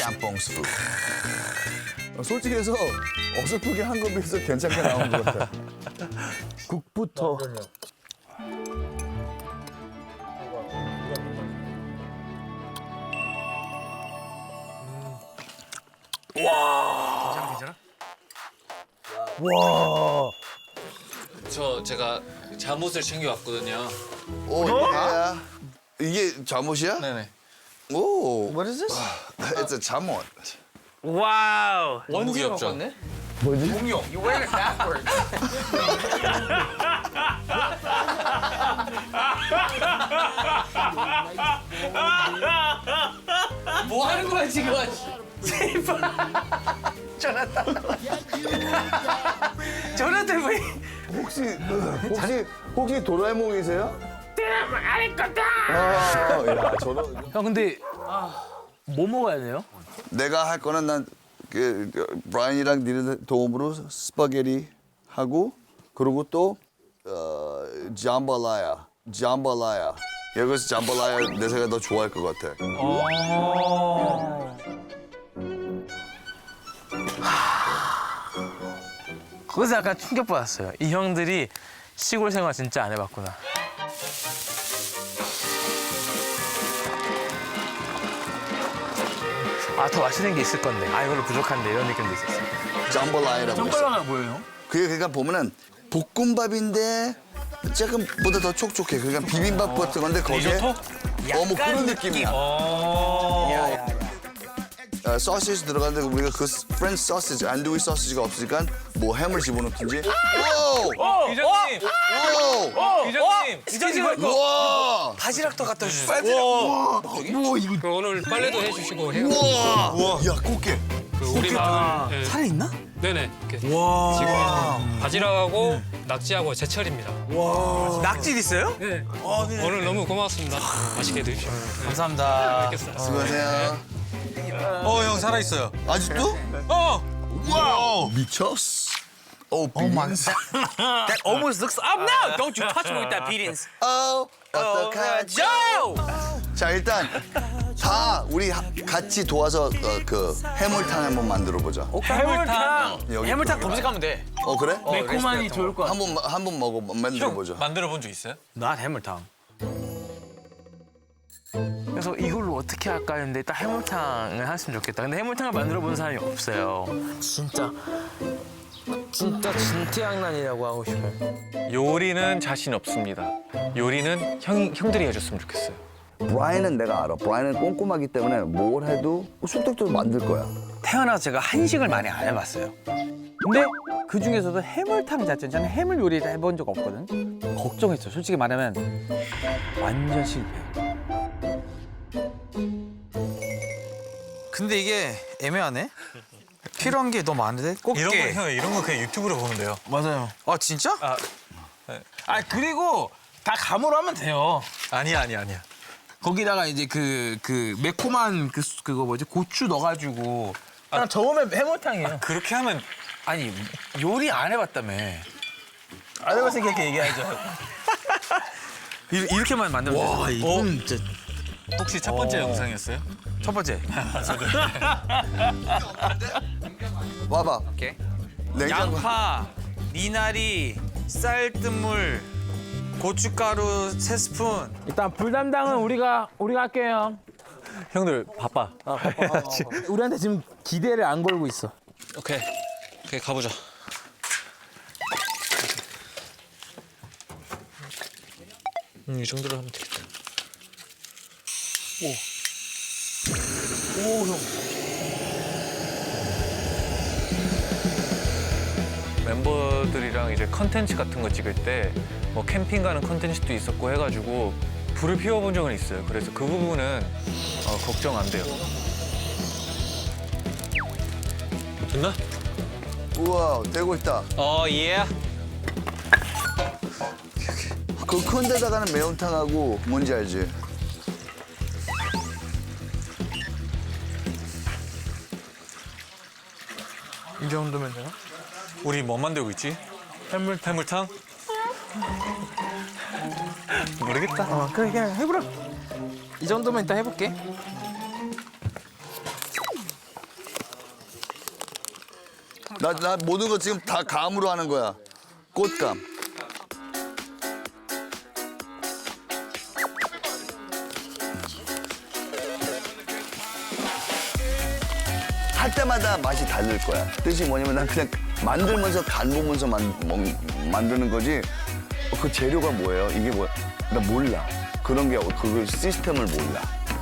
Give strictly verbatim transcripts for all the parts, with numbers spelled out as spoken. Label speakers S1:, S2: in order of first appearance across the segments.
S1: 짬뽕 스프.
S2: 솔직히 해서 어설프게 한 거에 비해서 괜찮게 나온 것 같아. 국부터.
S3: 괜찮아 괜찮아?
S2: 와.
S3: 저 제가 잠옷을 챙겨왔거든요.
S1: 오, 야. 이게 잠옷이야?
S3: 네네.
S1: 오.
S4: What is this?
S1: It's a 잠옷.
S4: 와우.
S3: 너무 귀엽죠?
S2: 뭐지?
S4: You wear it backwards. 뭐 하는 거야 지금? 제발. 조나탄. 조나탄 왜?
S2: 혹시 혹시 혹시 도라에몽이세요? 아, 야, 저런.
S5: 형 근데 뭐 먹어야 돼요?
S1: 내가 할 거는 난 그, 브라이언이랑 니네 도움으로 스파게티 하고 그리고 또 어, 잠발라야, 잠발라야. 여기서 잠발라야 내 생각에 더 좋아할 것 같아.
S5: 거기서 약간 충격받았어요. 이 형들이 시골 생활 진짜 안 해봤구나. 아, 더 맛있는 게 있을 건데. 아, 이걸로 부족한데 이런 느낌도 있었어요.
S1: 잠발라야라고 있어.
S5: 짬bal라가 뭐예요?
S1: 그게 그러니까 보면은 볶음밥인데 조금보다 더 촉촉해. 그러니까 비빔밥 같은 건데 거기에 어, 뭐 그런 느낌이야. 어, 소시지 들어가는데 우리가 그 프렌치 소시지, 안두이 소시지가 없으니까 뭐 햄을 집어넣든지. 와!
S3: 이장님,
S1: 와!
S3: 이장님, 이장님.
S1: 와!
S4: 바지락도 갖다 주셨어.
S1: 와! 와 이거
S6: 그 오늘 빨래도 해주시고 해요.
S1: 와! 야 꽃게.
S6: 그 우리 마을 예,
S4: 살아 있나?
S6: 네네. 이렇게 지금 바지락하고 낙지하고 제철입니다.
S4: 낙지 있어요?
S6: 네. 오늘 너무 고맙습니다. 맛있게 드십시오.
S5: 감사합니다.
S6: 뵙겠습니다.
S1: 수고하세요.
S3: 어, 형 살아있어요.
S1: 아직도?
S3: 어!
S1: 와우! 미쳤어. 오, 비빔스.
S4: That almost looks up now. Don't you touch me with that beatings.
S1: 어, 어떡하죠? 자, 일단 다 우리 하- 같이 도와서 어, 그 해물탕 한번 만들어 보자.
S5: 해물탕.
S1: 여기
S4: 해물탕
S1: 또.
S4: 검색하면 돼.
S1: 어, 그래?
S5: 매콤하니 좋을 것 같아.
S1: 한번 한번 먹어 만들어 보자.
S3: 만들어 본 적 있어요?
S4: 나 해물탕.
S5: 그래서 이걸로 어떻게 할까 했는데 딱 해물탕을 했으면 좋겠다. 근데 해물탕을 만들어 본 사람이 없어요. 진짜 진짜 진태양난이라고 하고 싶어요.
S3: 요리는 자신 없습니다. 요리는 형, 형들이 해줬으면 좋겠어요.
S2: 브라이언은 내가 알아. 브라이언은 꼼꼼하기 때문에 뭘 해도 쑥떡도 만들 거야.
S4: 태어나서 제가 한식을 많이 안 해봤어요. 근데 그 중에서도 해물탕 자체는 저는 해물 요리를 해본 적 없거든. 걱정했어. 솔직히 말하면 완전 실패. 근데 이게 애매하네. 필요한 게 너무 많은데? 꽃게.
S3: 이런 거, 형, 이런 거 그냥 유튜브로 보면 돼요.
S4: 맞아요. 아 진짜?
S3: 아,
S5: 아 그리고 다 감으로 하면 돼요.
S3: 아니야, 아니야, 아니야.
S5: 거기다가 이제 그 그 매콤한 그 수- 그거 뭐지 고추 넣어가지고 그냥 저으면 해물탕이에요.
S3: 그렇게 하면
S4: 아니 요리 안 해봤다며.
S5: 안 해봤으니까 이렇게 얘기하죠.
S4: 이- 이렇게만 만들면 되죠. 와
S3: 이건 진짜... 혹시 첫 번째 영상이었어요?
S4: 첫 번째.
S1: 봐봐.
S4: 오케이.
S1: 냉장고.
S4: 양파, 미나리, 쌀뜨물, 고춧가루 세 스푼.
S5: 일단 불 담당은 우리가 우리가 할게요.
S3: 형들 바빠.
S5: 우리한테 지금 기대를 안 걸고 있어.
S3: 오케이, 오케이 가보자. 음, 이 정도로 하면 되겠다. 멤버들이랑 이제 컨텐츠 같은 거 찍을 때 뭐 캠핑 가는 컨텐츠도 있었고 해가지고 불을 피워본 적은 있어요. 그래서 그 부분은 어, 걱정 안 돼요. 됐나?
S1: 우와, 되고 있다.
S3: 어, 예.
S1: 그 큰 데다가는 매운탕하고 뭔지 알지?
S5: 이 정도면 되나?
S3: 우리 뭐 만들고 있지? 해물 해물탕? 모르겠다.
S5: 어 그래 그냥 해보라. 이 정도면 일단 해볼게.
S1: 나, 나 모든 거 지금 다 감으로 하는 거야. 꽃감. 할 때마다 맛이 다를 거야. 뜻이 뭐냐면 난 그냥 만들면서 간 보면서 만, 먹, 만드는 거지. 어, 그 재료가 뭐예요? 이게 뭐야? 나 몰라. 그런 게 그 시스템을 몰라.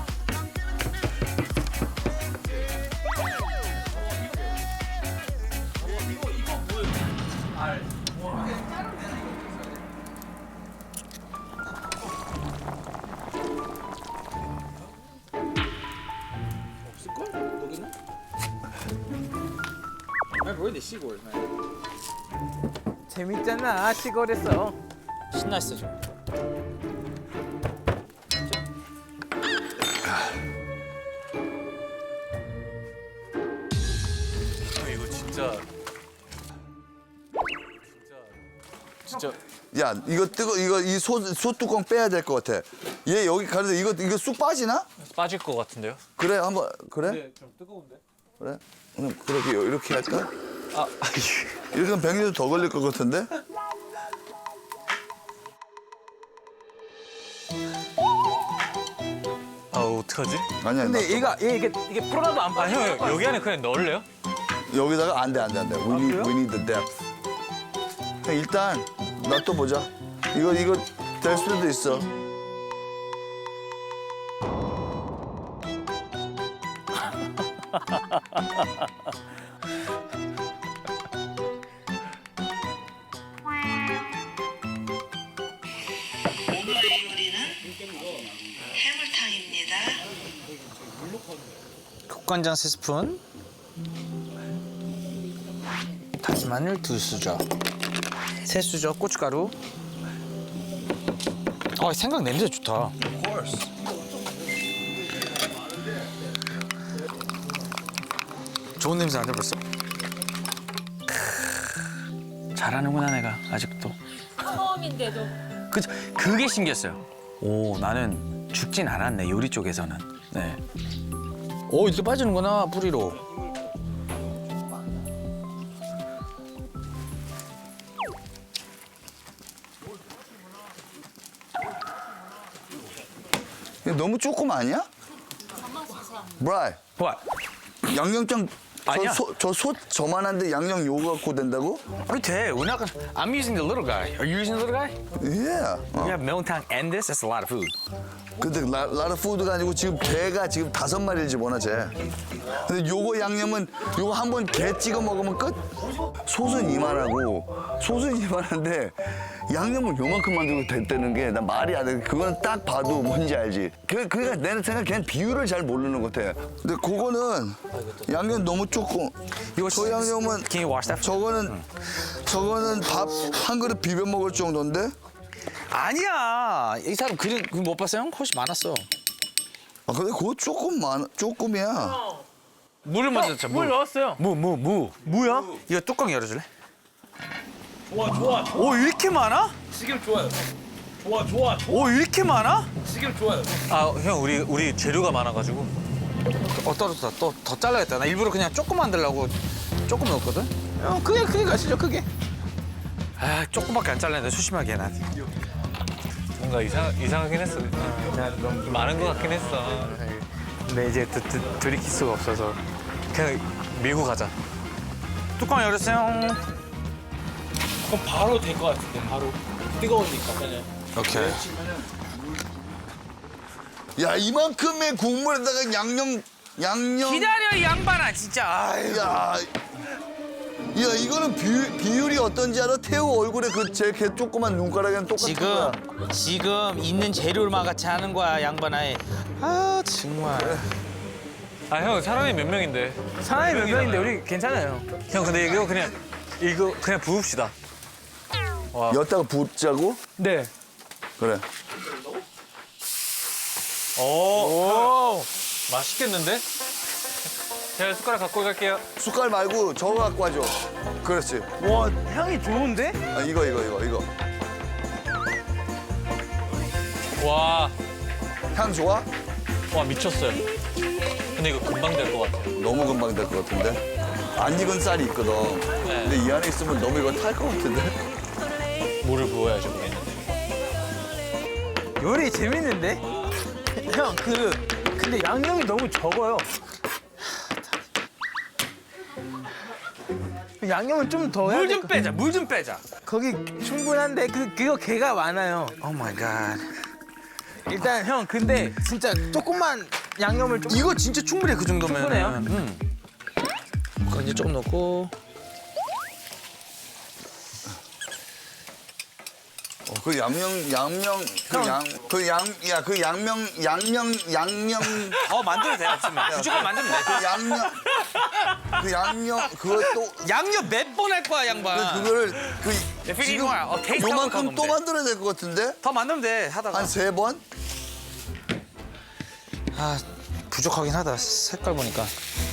S4: 재밌잖아 시골에서.
S7: 신났어 지금.
S3: 이거 진짜 진짜
S1: 야, 이거 뜨거, 이거 이 소, 소 뚜껑 빼야 될 것 같아. 얘 여기 가는데 이거, 이거 쑥 빠지나?
S3: 빠질 것 같은데요?
S1: 그래, 한번, 그래? 좀 뜨거운데? 그래? 그럼 그렇게, 이렇게 할까?
S3: 아,
S1: 이렇게 하면 백리도 더 걸릴 것 같은데?
S3: 아 어떡하지?
S1: 아니야,
S4: 근데
S1: 나
S4: 얘가 얘 이게 이게 풀어도 안
S3: 아
S4: 빠져.
S3: 형 여기 안에 그냥 넣을래요?
S1: 여기다가 안 돼, 안 돼, 안 돼. We need, we need the depth. 그냥 일단 놔둬보자. 이거, 이거 될 수도 있어.
S8: 오늘의 요리는 해물탕입니다.
S7: 국간장 세 스푼. 다진 마늘 두 수저. 세 수저 고춧가루. 아 생각 냄새 좋다. 좋은 냄새 나네 벌써.
S4: 잘하는구나 내가 아직도.
S9: 처음인데도.
S4: 그 그게 신기했어요. 오 나는 죽진 않았네 요리 쪽에서는. 네.
S7: 오 이렇게 빠지는구나 뿌리로.
S1: 이거 너무 조금 아니야? 브라이,
S4: 와.
S1: 양념장
S4: 아니야.
S1: 저 소 저만한데 양념 요거 갖고 된다고?
S7: 아니 돼. We're not gonna. I'm using the little guy. Are you using the little guy?
S1: 예.
S7: We have 매운탕 and this. That's a lot of food.
S1: 근데 라, 라라 푸드가 아니고 지금 개가 지금 다섯 마리를 집어넣어 쟤. 근데 요거 양념은 요거 한 번 개 찍어 먹으면 끝. 소스는 이만하고 소스는 이만한데 양념을 요만큼 만들고 됐다는 게 난 말이 안 돼. 그거는 딱 봐도 뭔지 알지. 그, 그러니까 내 생각 걔는 비율을 잘 모르는 것 같아. 근데 그거는 양념 너무 조금.
S7: 이거
S1: 저 양념은
S7: Can you wash that?
S1: 저거는 저거는 밥 한 그릇 비벼 먹을 정도인데.
S7: 아니야. 이 사람 그림 그림 못 봤어요? 훨씬 많았어.
S1: 아 근데 그거 조금 많 조금이야.
S7: 물을 먼저 넣자.
S4: 물 넣었어요.
S7: 무, 무, 무.
S4: 뭐야?
S7: 이거 뚜껑 열어줄래?
S4: 좋아 좋아. 오 이렇게 많아?
S5: 지금 좋아요. 좋아 좋아 좋아.
S4: 오 이렇게 많아?
S5: 지금 좋아요.
S3: 아 형 우리 우리 재료가 많아가지고
S7: 어 떨어졌다. 또 더 잘라야겠다. 나 일부러 그냥 조금 만들려고 조금 넣었거든. 어 크게 크게 가시죠 크게. 아 조금밖에 안 잘랐는데 소심하게 나.
S3: 뭔가 이상 이상하긴 했어. 좀 많은 것 같긴 했어.
S4: 근데 이제 드, 드, 들이킬 수가 없어서.
S3: 그냥 밀고 가자.
S7: 뚜껑 열었어요.
S5: 그럼 바로 될 것 같은데 바로 뜨거우니까 그냥.
S7: 오케이.
S1: 야 이만큼의 국물에다가 양념 양념.
S7: 기다려 이 양반아 진짜. 아유.
S1: 야, 야 이거는 비, 비율이 어떤지 알아? 태우 얼굴에 그 제 개 조그만 눈가락이랑 똑같은 거야.
S7: 지금 지금 있는 재료만 같이 하는 거야 양반아. 아 정말.
S3: 아 형 사람이 몇 명인데?
S4: 사람이 몇 명인데 우리 괜찮아요.
S3: 형 근데 이거 그냥 이거 그냥 부읍시다.
S1: 여기다가 붓자고?
S4: 네.
S1: 그래.
S3: 오, 맛있겠는데? 제가 숟가락 갖고 갈게요.
S1: 숟갈 말고 저거 갖고 와줘. 그렇지.
S4: 와 향이 좋은데?
S1: 아, 이거 이거 이거 이거.
S3: 와,
S1: 향 좋아?
S3: 와 미쳤어요.
S6: 근데 이거 금방 될 것 같아요.
S1: 너무 금방 될 것 같은데. 안 익은 쌀이 있거든. 근데 이 안에 있으면 너무 이거 탈 것 같은데.
S6: 물을 부어야죠, 우리는.
S5: 요리 재밌는데? 형, 그 근데 양념이 너무 적어요. 양념을 좀 더 해야
S7: 물
S5: 될
S7: 좀
S5: 것-
S7: 빼자. 물 좀 빼자.
S5: 거기 충분한데 그 그거 개가 많아요.
S7: 오 마이 갓.
S5: 일단 형 근데 진짜 조금만 양념을 좀
S7: 이거 진짜 충분해 그 정도면.
S5: 충분해요?
S7: 응. 그거 이제 조금 넣고.
S1: 어, 그 양명 양명 그 양 그 양 야 그 양명 양명 양명
S7: 어 만들면 돼. 없으면. 부족하면 만들면 돼.
S1: 그 양념 그 양념 그것도
S7: 양념 몇 번 할 거야 양반.
S1: 그거를 그
S7: feeling
S1: 지금
S7: more. 어, taste
S1: 요만큼
S7: 한번
S1: 또
S7: 가보면
S1: 만들어야 될 것 같은데
S7: 더 만들면 돼 하다가.
S1: 한 세 번?
S7: 아 부족하긴 하다. 색깔 보니까.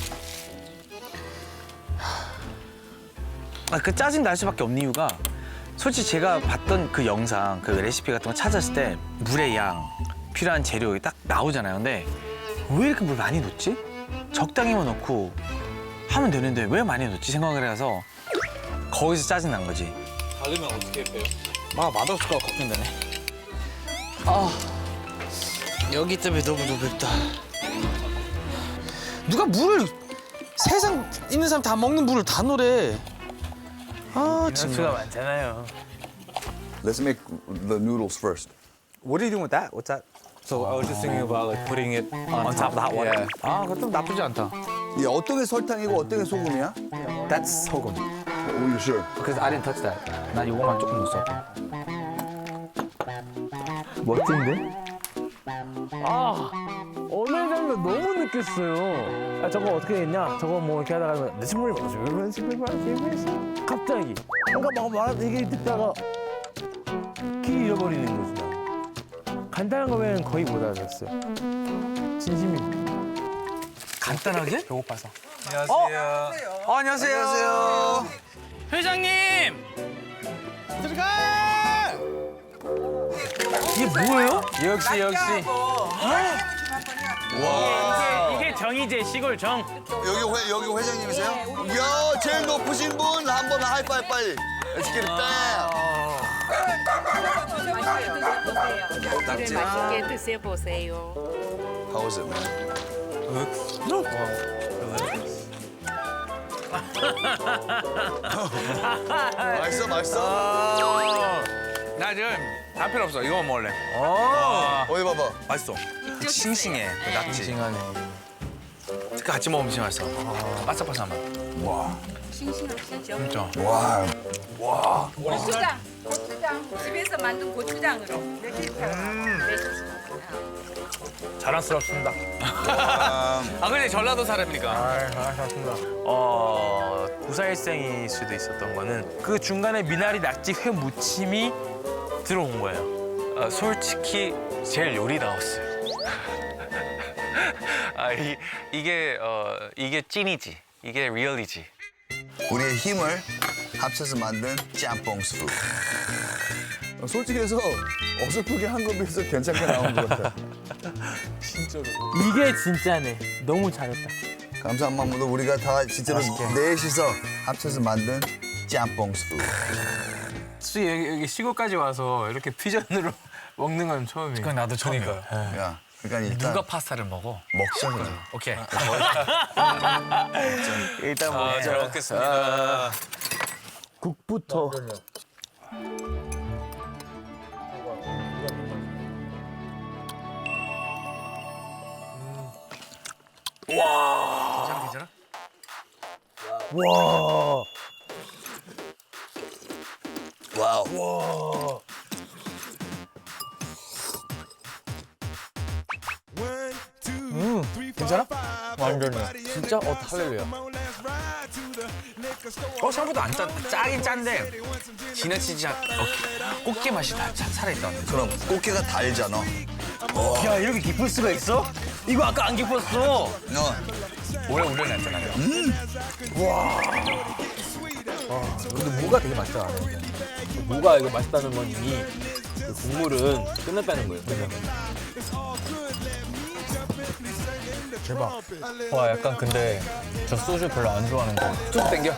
S4: 아, 그 짜증 날 수밖에 없는 이유가 솔직히 제가 봤던 그 영상, 그 레시피 같은 거 찾았을 때 물의 양, 필요한 재료 딱 나오잖아요. 근데 왜 이렇게 물 많이 넣지? 적당히만 넣고 하면 되는데 왜 많이 넣지 생각을 해서 거기서 짜증 난 거지.
S6: 닫으면 어떻게 빼요?
S7: 아 맛없을까 걱정되네. 아 여기 때문에 너무 너무 맵다. 누가 물을 세상 있는 사람 다 먹는 물을 다 노래. 아
S5: 수가
S7: 정말.
S5: 많잖아요.
S1: Let's make the noodles first.
S4: What are you doing with that? What's that?
S3: So I was just thinking about like putting it on,
S4: On top of the hot water?
S3: Yeah.
S4: 아, 그것도 나쁘지 않다.
S1: 이 어떤 게 설탕이고 어떤 게 소금이야?
S4: That's 소금.
S1: Oh, you sure?
S4: Because I didn't touch that. 나 이거만 조금 넣었어. 멋진데?
S5: 아 오늘 장면 너무 느꼈어요. 아 저거 어떻게 했냐? 저거 뭐 이렇게 하다가 내 친구를 이런 식으로 얘기했어. 갑자기 뭔가 막 말하는 얘기 듣다가 길 잃어버리는 거지. 나. 간단한 거면 거의 못 알아들었어요. 진심이.
S7: 간단하게?
S4: 배고파서.
S7: 안녕하세요. 어, 안녕하세요. 안녕하세요. 회장님. 들어가.
S5: 이게 뭐예요?
S7: 역시 역시.
S1: 와.
S5: 이게 정이제 시골 정.
S1: 여기 회 여기 회장님이세요? 야 제일 높으신 분 한번 하이파이 빨리. Let's get it down.
S8: 네, 맛있게 드셔보세요.
S1: How was it, man? 맛있어, 맛있어.
S7: 나 지금 다 필요 없어. 이거만 먹을래.
S1: 어디 봐봐.
S7: 맛있어. 싱싱해. 그 낙지. 싱싱하네. 같이 먹으면 진짜 맛있어. 바삭바삭한 맛.
S8: 싱싱하시죠?
S7: 진짜.
S1: 와.
S8: 고추장, 고추장 집에서 만든 고추장으로 이렇게 내주시면
S5: 자랑스럽습니다.
S7: 아 근데 전라도 사람이니까.
S5: 아, 잘하셨습니다. 어, 구사일생일 수도 있었던 거는 그 중간에 미나리 낙지 회 무침이 들어온 거예요.
S3: 아, 솔직히 제일 요리다웠어요. 아, 이, 이게 어, 이게 찐이지. 이게 리얼이지.
S1: 우리의 힘을 합쳐서 만든 짬뽕 스프.
S2: 어, 솔직히 해서 어설프게 한 거에 비해서 괜찮게 나온 것 같아.
S5: 이게 진짜네. 너무 잘했다.
S1: 감사한 마음으로 우리가 다 진짜로 넷이서 합쳐서 만든 짬뽕 스프.
S5: 솔직히 여기, 여기 시골까지 와서 이렇게 퓨전으로 먹는 건 처음이에요.
S7: 그건 나도 처음이야.
S1: 야, 그러니까 일단
S7: 누가 파스타를 먹어?
S1: 먹자 그래.
S7: 오케이.
S5: 일단 뭐
S7: 아, 잘 먹겠습니다.
S5: 국부터.
S7: 괜찮아, 괜찮아?
S5: 와.
S1: 와우.
S5: 괜찮아? 완전히. 진짜? 어, 할렐루야.
S7: 어 생각보다 안 짠. 짜긴 짠데 지나치지 않. 어, 꽃게 맛이 다 차- 살아있다.
S1: 그럼 꽃게가 달잖아.
S5: 야, 이렇게 깊을 수가 있어? 이거 아까 안 깊었어.
S1: 너
S7: 오래 우려냈잖아요.
S5: 근데 무가 되게 맛있다. 무가 이거 맛있다는 건 이미 그 국물은 끝났다는 거예요.
S2: 대박.
S3: 와 약간 근데 저 소주 별로 안 좋아하는 거.
S7: 쭉 땡겨.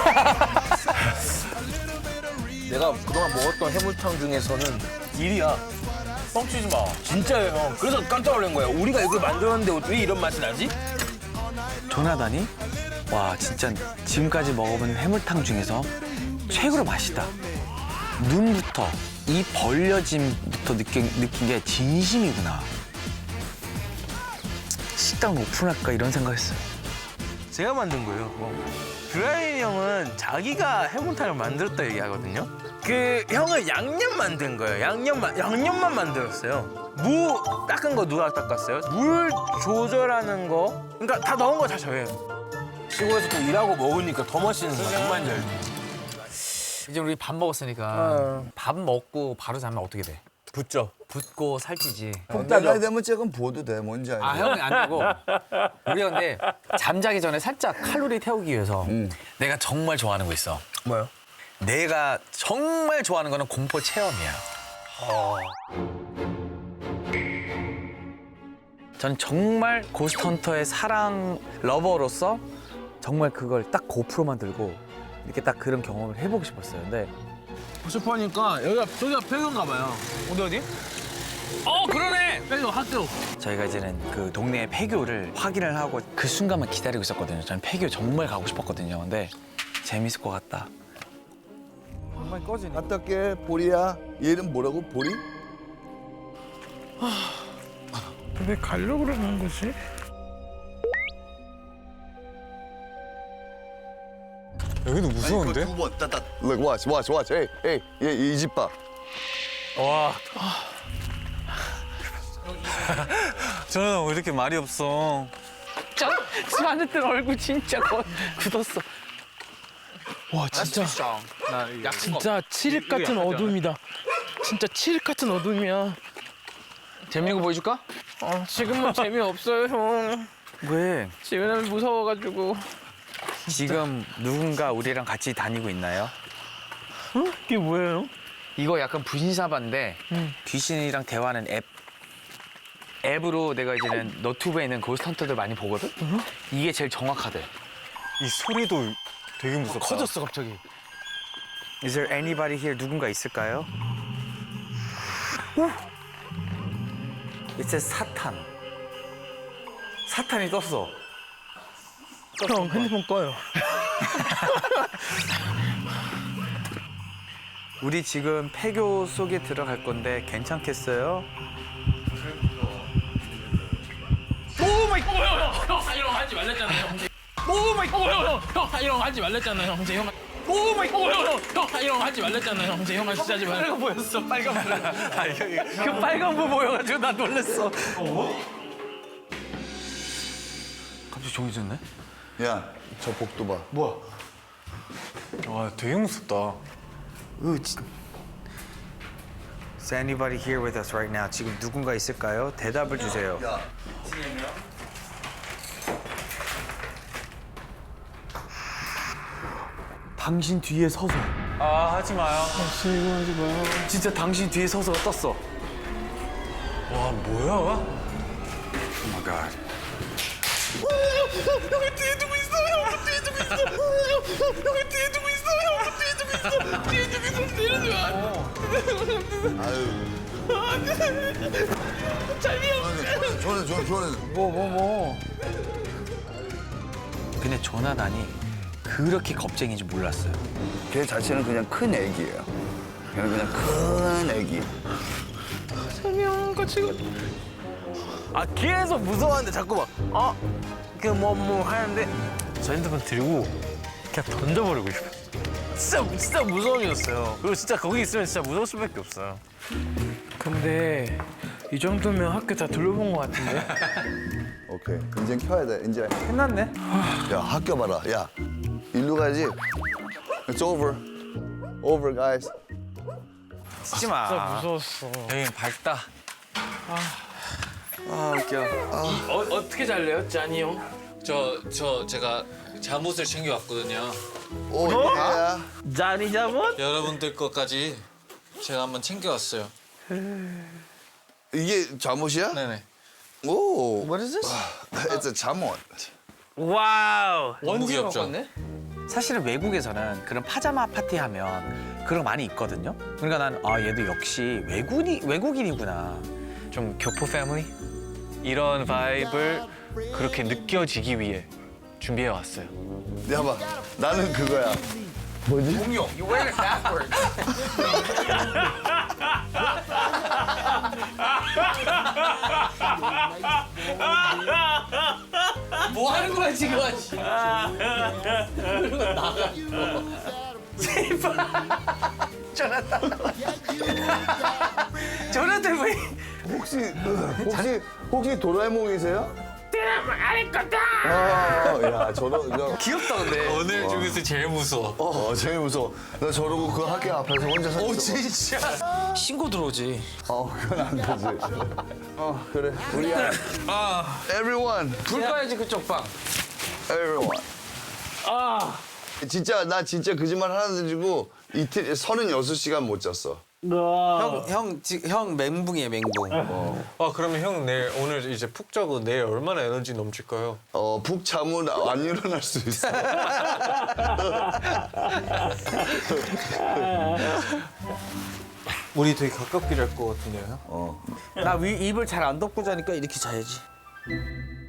S5: 내가 그동안 먹었던 해물탕 중에서는 일 위야. 뻥치지 마. 진짜예요, 형. 그래서 깜짝 놀란 거야. 우리가 이걸 만들었는데 왜 이런 맛이 나지?
S4: 조나단이 와 진짜 지금까지 먹어본 해물탕 중에서 최고로 맛있다. 눈부터 이 벌려짐부터 느낀, 느낀 게 진심이구나. 식당 오픈할까 이런 생각했어요.
S5: 제가 만든 거예요. 브라이언 형은 자기가 해물탕을 만들었다 얘기하거든요. 그 형은 양념 만든 거예요. 양념만 양념만 만들었어요. 무 닦은 거 누가 닦았어요? 물 조절하는 거. 그러니까 다 넣은 거 다 저예요. 시골에서 또 일하고 먹으니까 더 맛있는 거야. 정말 잘.
S7: 이제 우리 밥 먹었으니까 밥 먹고 바로 자면 어떻게 돼?
S5: 붙죠.
S7: 붓고 살찌지.
S1: 내가 되면 조금 보도 돼. 뭔지 알지?
S7: 아 형이 안 되고 우리가 근데 잠자기 전에 살짝 칼로리 태우기 위해서 내가 정말 좋아하는 거 있어.
S5: 뭐요?
S7: 내가 정말 좋아하는 거는 공포 체험이야.
S4: 전 정말 고스트헌터의 사랑 러버로서 정말 그걸 딱 고프로만 들고 이렇게 딱 그런 경험을 해보고 싶었어요. 근데
S5: 슈퍼니까 여기가 저기가 폐교인가 봐요.
S7: 어디 어디? 어 그러네.
S5: 폐교 학교.
S4: 저희가 이제는 그 동네의 폐교를 확인을 하고 그 순간만 기다리고 있었거든요. 저는 폐교 정말 가고 싶었거든요. 근데 재밌을 것 같다.
S7: 정말 꺼지네.
S1: 어떻게 보리야? 얘는 뭐라고? 보리?
S5: 왜 가려고 그러는 거지?
S3: 여기도 무서운데?
S1: 두번 따따. Look, watch, watch, watch. Hey, hey, 얘 이 집 봐.
S3: 저는 왜 이렇게 말이 없어?
S5: 집 안에 든 얼굴 진짜 거, 굳었어. 와 진짜 진짜 칠흑 같은 어둠이다. 진짜 칠흑 같은 어둠이야.
S7: 재밌는 거 보여줄까?
S5: 어, 지금은 재미없어요 형.
S4: 왜?
S5: 지금은 무서워가지고.
S4: 지금 누군가 우리랑 같이 다니고 있나요?
S5: 이게 뭐예요?
S4: 이거 약간 분신사바인데 귀신이랑 대화하는 앱. 앱으로 내가 이제는 너튜브에 있는 고스트헌터들 많이 보거든? 이게 제일 정확하대.
S3: 이 소리도 되게 무섭다.
S5: 커졌어 갑자기.
S4: Is there anybody here? 누군가 있을까요? It says 사탄. 사탄이 떴어.
S5: 형 핸드폰 꺼요.
S4: 우리 지금 폐교 속에 들어갈 건데 괜찮겠어요?
S5: 오 마이 갓! 형, 형, 이런 거 하지 말랬잖아요, 형제. 오 마이 갓! 형, 형, 이런 거 하지 말랬잖아요, 형제. 형. 오 마이 갓! 형, 형, 이런 거 하지 말랬잖아요, 형제. 형아 진짜 하지 말고. 빨간 보였어, 빨간 보. 아, 그 빨간 보 보여가지고 나 놀랬어.
S4: 갑자기 조용해졌네?
S1: 야, 저 복도 봐.
S3: 와 되게 무섭다.
S4: Is anybody here with us right now? 지금 누군가 있을까요? 대답을 주세요.
S1: 야,
S4: 당신 뒤에 서서.
S3: 아 하지 마요.
S4: 진짜 당신 뒤에 서서 떴어.
S3: 와 뭐야?
S4: Oh my god.
S5: 형이 뒤에 두고 있어, 형 뒤에 두고 있어. 형이 뒤에 두고 있어, 형 뒤에 두고 있어. 뒤에 두고 있어, 내려줘.
S1: 아유.
S5: 잘미워.
S1: 저는, 저는, 저는.
S4: 뭐 뭐 뭐. 근데 조나단이 그렇게 겁쟁이인지 몰랐어요.
S1: 걔 자체는 그냥 큰 애기예요. 걔는 그냥 큰 애기.
S5: 설명 같이 아 계속 무서워하는데 자꾸 막 어? 그 뭐 뭐 하는데 저 핸드폰 들고 그냥 던져버리고 싶어. 진짜 진짜 무서움이었어요. 그리고 진짜 거기 있으면 진짜 무서울 수밖에 없어요. 근데 이 정도면 학교 다 둘러본 것 같은데?
S1: 오케이. 이제 켜야 돼. 이제.
S4: 끝났네.
S1: 야, 학교 봐라. 야, 일로 가야지. It's over. Over, guys.
S4: 쓰지 마.
S5: 진짜 무서웠어.
S3: 여긴 밝다.
S4: 아 웃겨.
S5: 어, 어떻게 잘래요, 짠이 형?
S6: 저, 저 제가 잠옷을 챙겨왔거든요.
S1: 오, 야.
S5: 짠이 잠옷?
S6: 여러분들 것까지 제가 한번 챙겨왔어요.
S1: 이게 잠옷이야?
S6: 네네.
S1: 오.
S2: What is this?
S1: It's a 잠옷.
S4: 와우.
S6: 너무 귀엽죠?
S4: 사실은 외국에서는 그런 파자마 파티 하면 그런 거 많이 있거든요. 그러니까 난 아 얘도 역시 외국인이 외국인이구나.
S3: 좀 교포 패밀리 이런 바이브를 그렇게 느껴지기 위해 준비해 왔어요.
S1: 야 봐, 나는 그거야. 뭐지?
S7: 공룡. You wear it backwards. 뭐 하는 거야 지금?
S4: 저한테 왜?
S1: 혹시 혹시 혹시 도라에몽이세요? 아, 야 저런 저,
S4: 귀엽다 근데.
S6: 오늘 중에서 제일 무서워.
S1: 어 제일 무서워. 나 저러고 그 학교 앞에서 혼자 서
S7: 오
S1: 있어.
S7: 진짜. 신고 들어오지.
S1: 어 그건 안 되지. 어 그래 우리야.
S7: 아,
S1: Everyone,
S7: 불 꺼야지 그쪽 방.
S1: everyone.
S5: 아,
S1: 진짜 나 진짜 거짓말 하나 드리고 이틀 서른여섯 시간 못 잤어.
S5: 나.
S7: 형, 지- 형 멘붕이에요 멘붕.
S3: 아 그러면 형 내일 오늘 이제 푹 자고 내일 얼마나 에너지 넘칠까요?
S1: 어, 푹 자면 안 일어날 수 있어.
S7: 우리 되게 가깝게 잘 것 같은데요?
S1: 어.
S4: 나 위, 입을 잘 안 덮고 자니까 이렇게 자야지.